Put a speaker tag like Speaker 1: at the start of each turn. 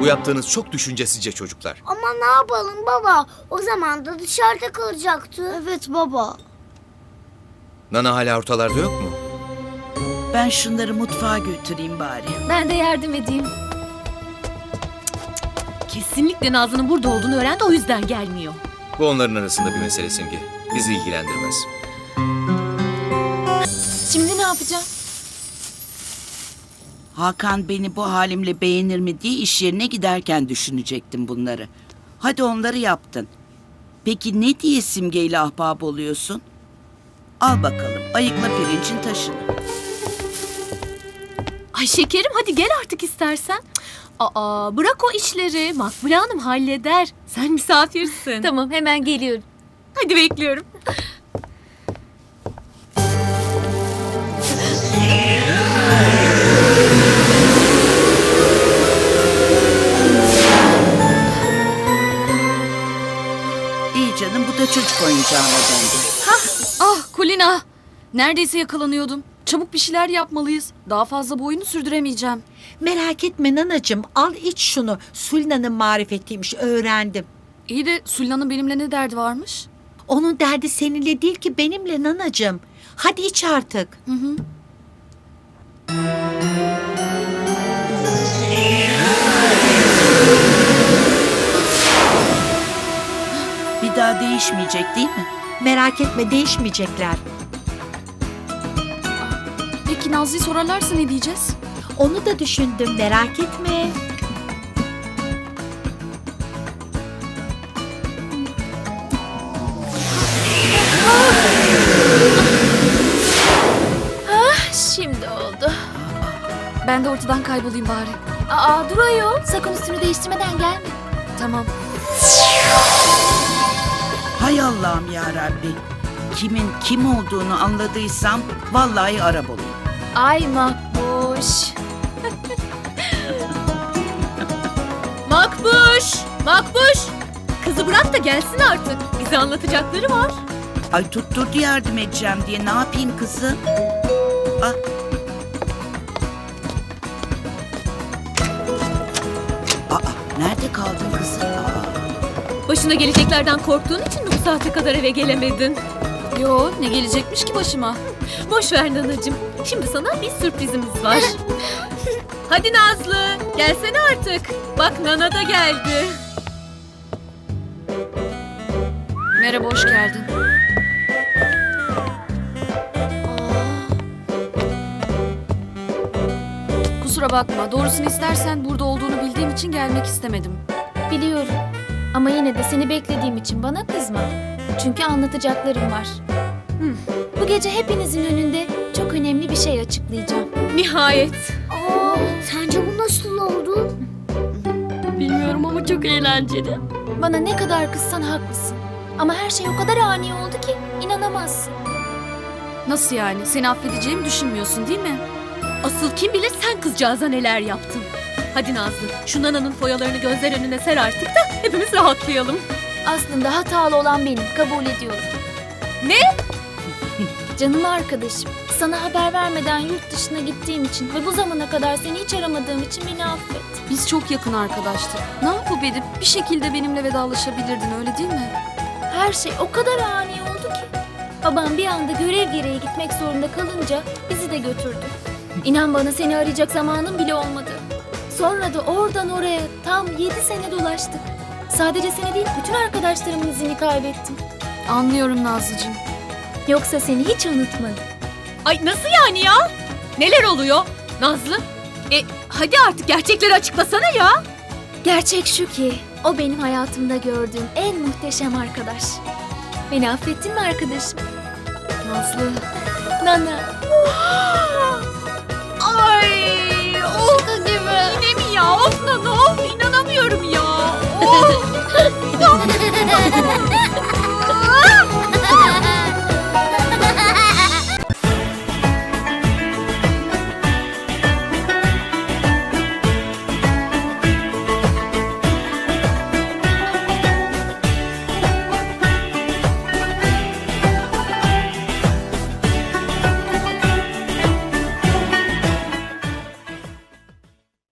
Speaker 1: Bu yaptığınız çok düşüncesizce çocuklar.
Speaker 2: Ama ne yapalım baba? O zaman da dışarıda kalacaktı.
Speaker 3: Evet baba.
Speaker 1: Nana hala ortalarda yok mu?
Speaker 4: Ben şunları mutfağa götüreyim bari.
Speaker 5: Ben de yardım edeyim. Kesinlikle Nazlı'nın burada olduğunu öğrendi, o yüzden gelmiyor.
Speaker 1: Bu onların arasında bir mesele Simge. Bizi ilgilendirmez.
Speaker 5: Şimdi ne yapacağım?
Speaker 4: Hakan beni bu halimle beğenir mi diye iş yerine giderken düşünecektim bunları. Hadi onları yaptın. Peki ne diye Simge'yle ahbap oluyorsun? Al bakalım, ayıkla pirincin taşını.
Speaker 5: Ay şekerim, hadi gel artık istersen. Aa, bırak o işleri. Makbule Hanım halleder. Sen misafirsin. Tamam, hemen geliyorum. Hadi bekliyorum.
Speaker 4: İyi canım, bu da çocuk oyuncağına döndü.
Speaker 6: Ah Kulina! Neredeyse yakalanıyordum. Çabuk bir şeyler yapmalıyız. Daha fazla bu oyunu sürdüremeyeceğim.
Speaker 3: Merak etme nanacığım, al iç şunu. Sulina'nın marifetiymiş, öğrendim.
Speaker 6: İyi de Sulina'nın benimle ne derdi varmış?
Speaker 3: Onun derdi seninle değil ki benimle nanacığım. Hadi iç artık.
Speaker 4: Bir daha değişmeyecek değil mi?
Speaker 3: Merak etme, değişmeyecekler.
Speaker 6: Peki Nazlı'yı sorarlarsa ne diyeceğiz?
Speaker 3: Onu da düşündüm, merak etme.
Speaker 5: Şimdi oldu.
Speaker 6: Ben de ortadan kaybolayım bari.
Speaker 5: Aa, dur ayol. Sakın üstünü değiştirmeden gelme.
Speaker 6: Tamam.
Speaker 4: Hay Allah'ım ya Rabbi. Kimin kim olduğunu anladıysam vallahi Arap olayım.
Speaker 5: Ay Makbuş. Makbuş! Makbuş! Kızı bırak da gelsin artık. Bize anlatacakları var.
Speaker 4: Ay tutturdu yardım edeceğim diye ne yapayım kızım? Ah. Aa, nerede kaldın kızım?
Speaker 5: Başına geleceklerden korktuğun için mi bu saate kadar eve gelemedin?
Speaker 6: Yo, ne gelecekmiş ki başıma?
Speaker 5: Boş ver nanacığım. Şimdi sana bir sürprizimiz var. Hadi Nazlı, gelsene artık. Bak Nana da geldi.
Speaker 6: Merhaba, hoş geldin. Kusura bakma. Doğrusunu istersen burada olduğunu bildiğim için gelmek istemedim.
Speaker 7: Biliyorum. Ama yine de seni beklediğim için bana kızma. Çünkü anlatacaklarım var. Bu gece hepinizin önünde çok önemli bir şey açıklayacağım.
Speaker 5: Nihayet.
Speaker 2: Aa, sence bu nasıl oldu?
Speaker 6: Bilmiyorum ama çok eğlenceli.
Speaker 7: Bana ne kadar kızsan haklısın. Ama her şey o kadar ani oldu ki inanamazsın.
Speaker 6: Nasıl yani? Seni affedeceğimi düşünmüyorsun değil mi?
Speaker 5: Asıl kim bilir sen kızcağıza neler yaptın. Hadi Nazlı, şu Nana'nın foyalarını gözler önüne ser artık da hepimiz rahatlayalım.
Speaker 7: Aslında hatalı olan benim, kabul ediyorum.
Speaker 5: Ne?
Speaker 7: Canım arkadaşım, sana haber vermeden yurt dışına gittiğim için ve bu zamana kadar seni hiç aramadığım için beni affet.
Speaker 6: Biz çok yakın arkadaştık. Ne yapıp edip bir şekilde benimle vedalaşabilirdin, öyle değil mi?
Speaker 7: Her şey o kadar ani oldu ki. Babam bir anda görev gereği gitmek zorunda kalınca bizi de götürdü. İnan bana seni arayacak zamanım bile olmadı. Sonra da oradan oraya tam 7 sene dolaştık. Sadece seni değil bütün arkadaşlarımın izini kaybettim.
Speaker 6: Anlıyorum Nazlıcığım.
Speaker 7: Yoksa seni hiç unutmadım.
Speaker 5: Ay nasıl yani ya? Neler oluyor Nazlı? Hadi artık gerçekleri açıklasana ya.
Speaker 7: Gerçek şu ki o benim hayatımda gördüğüm en muhteşem arkadaş. Beni affettin mi arkadaşım?
Speaker 6: Nazlı.
Speaker 7: Nana.
Speaker 5: Ay of. Yine mi ya? Of Nana of. İnanamıyorum ya. Of.